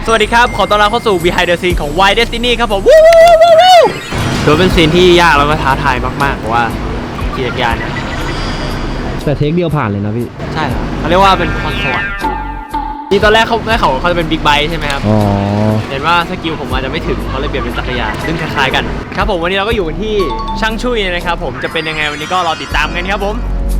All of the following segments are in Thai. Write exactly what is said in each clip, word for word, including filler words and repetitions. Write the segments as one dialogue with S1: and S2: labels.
S1: สวัสดีครับขอต้อนรับเข้าสู่ Behind the Scene ของ Why Destiny ครับผมวู้วู้วู้วู้ถือเป็นซีนที่ยากแล้วก็ท้าทายมากๆเพราะว่าขี่จักรยานเนี่ย
S2: แต่เทคเดียวผ่านเลยนะพี่
S1: ใช่ครับเขาเรียกว่าเป็นพรสวรรค์นี่ตอนแรกเขาแม่เขาเขาจะเป็นบิ๊กไบค์ใช่ไหมครับอ๋อเห็นว่าสกิลผมอาจจะไม่ถึงเขาเลยเปลี่ยนเป็นจักรยานซึ่งคล้ายๆกันครับผมวันนี้เราก็อยู่กันที่ช่างชุยนะครับผมจะเป็นยังไงวันนี้ก็รอติดตามกันครับผม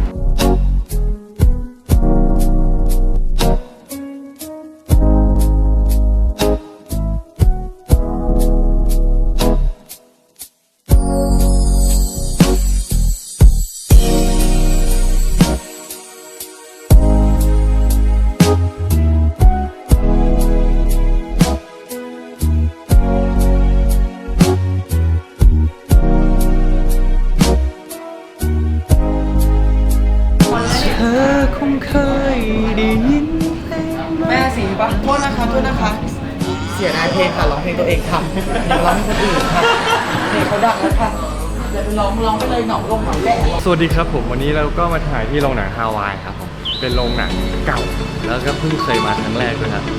S3: แม่สีปะโทษนะคะโทษนะคะเสียดายเพลงค่ะร้องเพลงตัวเองทำอย่าร้องให้คนอื่นค่ะเพลงเขาดังแล้วค่ะอย่าไปร้องร้องไปเลยเหงาลงเหงาแหละ
S4: สวัสดีครับผมวันนี้เราก็มาถ่ายที่โรงหนังฮาวายครับผมเป็นโรงหนังเก่าแล้วก็เพิ่งเคยมาครั้งแรกด้วยครับ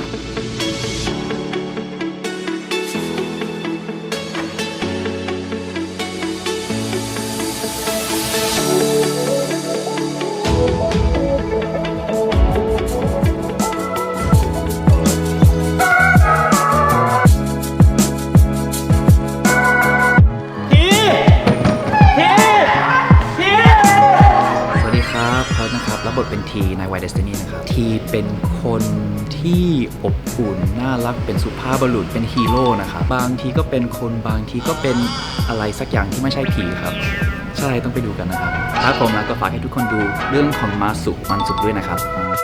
S5: รับบทเป็นทีใน Why Destiny นะครับทีเป็นคนที่อบอุ่นน่ารักเป็นสุภาพบุรุษเป็นฮีโร่นะครับบางทีก็เป็นคนบางทีก็เป็นอะไรสักอย่างที่ไม่ใช่ผีครับใช่ต้องไปดูกันนะครับถ้าผมแล้วก็ฝากให้ทุกคนดูเรื่องของมาสุมันสุขด้วยนะครับ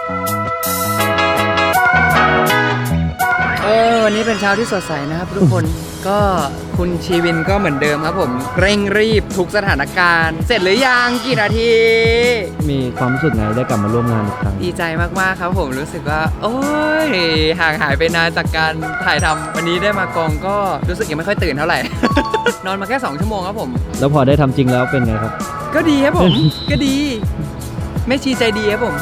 S3: เออวันนี้เป็นเช้าที่สดใสนะครับทุกคนก็คุณชีวินก็เหมือนเดิมครับผมเร่งรีบทุกสถานการณ์เสร็จหรือยังกี่นาที
S2: มีความรู้สึกไงได้กลับมาร่วมงานอีกครั้ง
S3: ดีใจมากๆครับผมรู้สึกว่าโอ้ยห่างหายไปนานจากการถ่ายทำวันนี้ได้มากองก็รู้สึกยังไม่ค่อยตื่นเท่าไหร่ นอนมาแค่สองชั่วโมงครับผม
S2: แล้วพอได้ทำจริงแล้วเป็นไงครับ
S3: ก็ดีครับผม ก็ดีไม่ชีใจดีครับผม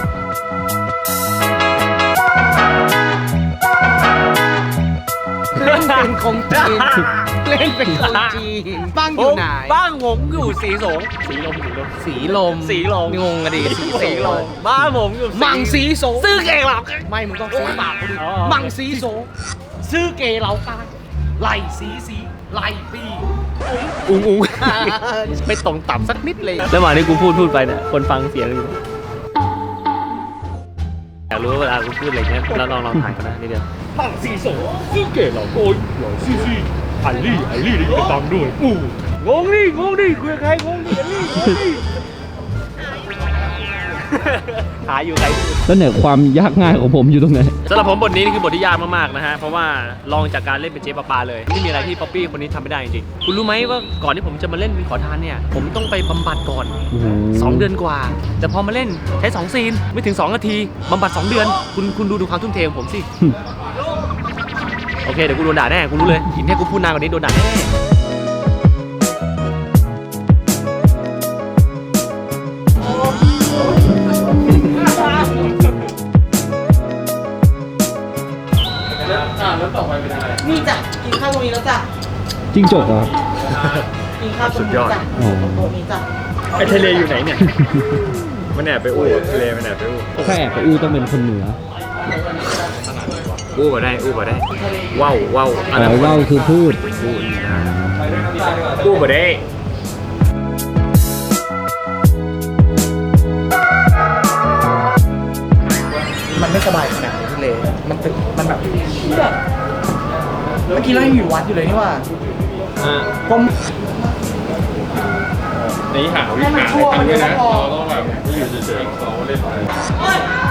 S3: เล่นเป็นคงจีนเล่นเป็นคงจีนบ้างอยู่ไหน
S1: บ้างผมอยู่สีสงสีลมสีลม
S3: สีลม
S1: สีลม
S3: งงกันดิสี
S1: สีลมบ้านผมอยู่
S3: มังสีสง
S1: ซื้อเกย์เหล่า
S3: ไม่มึงต้องซื้อปากกูดิมังสีสงซื้อเกย์เหล่ากันไหลสีสีไหลปี
S1: อุ้งอุ้งไม่ตรงต่ำสักนิดเลยแล้วมาที่กูพูดพูดไปเนี่ยคนฟังเสียงอยู่อยากรู้ว่าเวลากูพูดอะไรเงี้ยแล้วลองลองถ่ายกันนะนิดเดียว
S4: มังสีโสซื้อเก๋เหล่าโกยเหล่าซี่ซี่อัลลี่อัลลี่ได้ยินฟังด้วยอู้งงดิงงดิคุยกับใครงงดิอัลลี่งงดิ
S1: หาอยู่ใคร
S2: แล้วเนี่ยความยากง่ายของผมอยู่ตรงไหน
S1: สำหรับผมบทนี้นี่คือบทที่ยากมากๆนะฮะเพราะว่าลองจากการเล่นเป็นเจ๊ปลาปลาเลยไม่มีอะไรที่ป๊อปปี้คนนี้ทำไม่ได้จริงๆคุณรู้ไหมว่าก่อนที่ผมจะมาเล่นเป็นขอทานเนี่ยผมต้องไปบำบัดก่อนสองเดือนกว่าแต่พอมาเล่นใช้สองซีนไม่ถึงสองนาทีบำบัดสองเดือนคุณคุณดูดูความทุ่มเทของผมสิโอเคเดี๋ยวกูโดนด่าแน่กูรู้เลยกินแค่กูพูดนานกว่านี้โดนด่าแน่
S3: นี่จ้ะกินข้าวตรงนี้แล้วจ้ะ
S2: จิ้งจกเหรอ
S3: กินข้าวตรงนี้จ้ะตรงนี้จ้ะ
S4: ไอทะเลอยู่ไหนเนี่ยมันแอบไปอู้ทะเลมันแอบไปอู้
S2: ถ้าแอบไปอู้ต้องเป็นคนเหนือ
S1: อู้มาได้อู้มาได้ว้าวว้าว
S2: อ๋อว้าวคือพูด
S1: อู้อู้มาได้
S3: มันไม่สบายขนาดนี้ทะเลมันตึกมันแบบเมื่อกี้เรายังอยู่วัดอยู่เลยนี่ว่าผม
S4: นี่หาวิธีหาอะไรกันด้วยนะเราต้องแบบอยู่เฉยๆเขาเล่น